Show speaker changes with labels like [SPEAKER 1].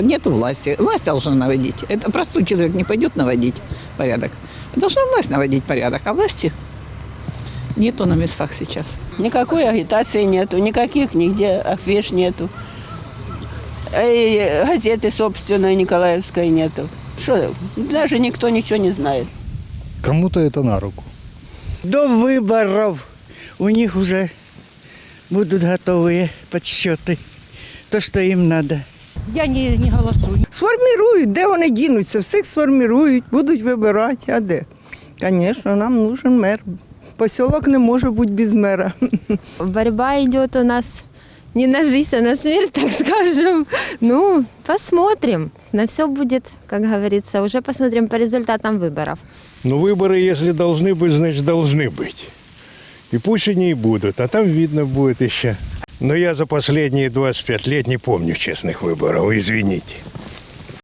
[SPEAKER 1] Нету власти. Власть должна наводить. Это простой человек не пойдет наводить порядок. Должна власть наводить порядок, а власти нету на местах сейчас.
[SPEAKER 2] Никакой агитации нету, никаких нигде афиш нету. И газеты собственной Николаевской нету. Что, даже никто ничего не знает.
[SPEAKER 3] Кому-то это на руку.
[SPEAKER 4] До выборов у них уже будут готовые подсчеты. То, что им надо.
[SPEAKER 5] Я не голосую.
[SPEAKER 6] Сформірують, де вони дінуться, всіх сформірують, будуть вибирати, а де? Звісно, нам нужен мер. Поселок не може бути без мера.
[SPEAKER 7] Борьба идет у нас не на жизнь, а на смерть, так скажем. Ну, посмотрим. На все будет, как говорится, уже посмотрим по результатам выборов.
[SPEAKER 8] Ну, выборы, если должны быть, значит, должны быть. И пусть они и будут, а там видно будет еще. Но я за последние 25 лет не помню честных выборов, извините.